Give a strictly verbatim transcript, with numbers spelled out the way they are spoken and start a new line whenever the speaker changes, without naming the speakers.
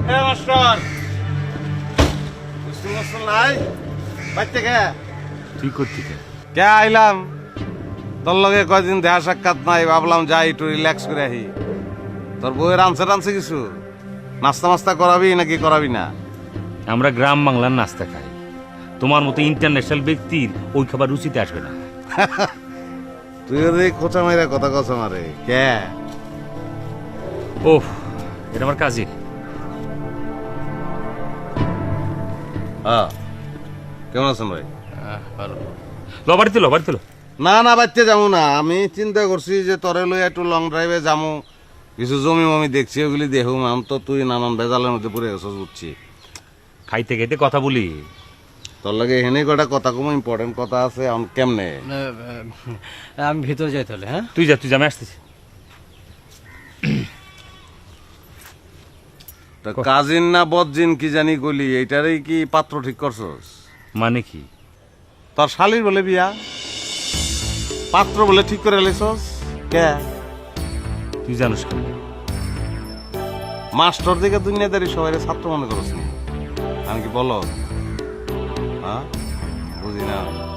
হ্যাঁ master school master নাই বাইতে কে
তুই করতি কে?
কে আইলাম তোর লগে কয়দিন দেখা সাক্ষাৎ নাই ভাবলাম যাই একটু রিল্যাক্স করে আহি তোর বউয়ের আনসার আনছে কিছু নাস্তা মাস্তা করাবি নাকি করাবি না
আমরা গ্রাম বাংলার নাস্তা খাই, তোমার মতো ইন্টারন্যাশনাল ব্যক্তির ওই খাবার রুচিতে আসবে না।
তুই ওদের খোঁচা মাইরা কথা কথা মারে কে
ওহ, এটা আমার কাজে।
হ্যাঁ কেমন আছেন ভাই
লো বাড়িতে লো বাড়িতে লো।
না না বাচ্চা যাবো না আমি চিন্তা করছি যে তরে লই একটু লং ড্রাইভে যাবো কিছু জমি মমি দেখছি ওগুলি দেখুম আমি তো তুই নানান বেজালের মধ্যে পড়ে গেছ বুঝছি
খাইতে খাইতে কথা বলি।
তোর লাগে হেনে কটা কথা কম ইম্পর্টেন্ট কথা আছে এখন কেমনে
আমি ভিতরে যাই তাহলে। হ্যাঁ
তুই যা তুই যা, আমি আসতেছি।
তা কাজিন না বদজিন কি জানি গলি এইটারই কি পাত্র ঠিক করছস
মানে কি?
তোর শালির বলে বিয়া পাত্র বলে ঠিক করে লেছস কে
তুই জানিস কেন?
মাস্টার দিকে দুনিয়াদারি সবাই ছাত্র মনে করছ নি আমি কি বলো হ্যাঁ বুঝি না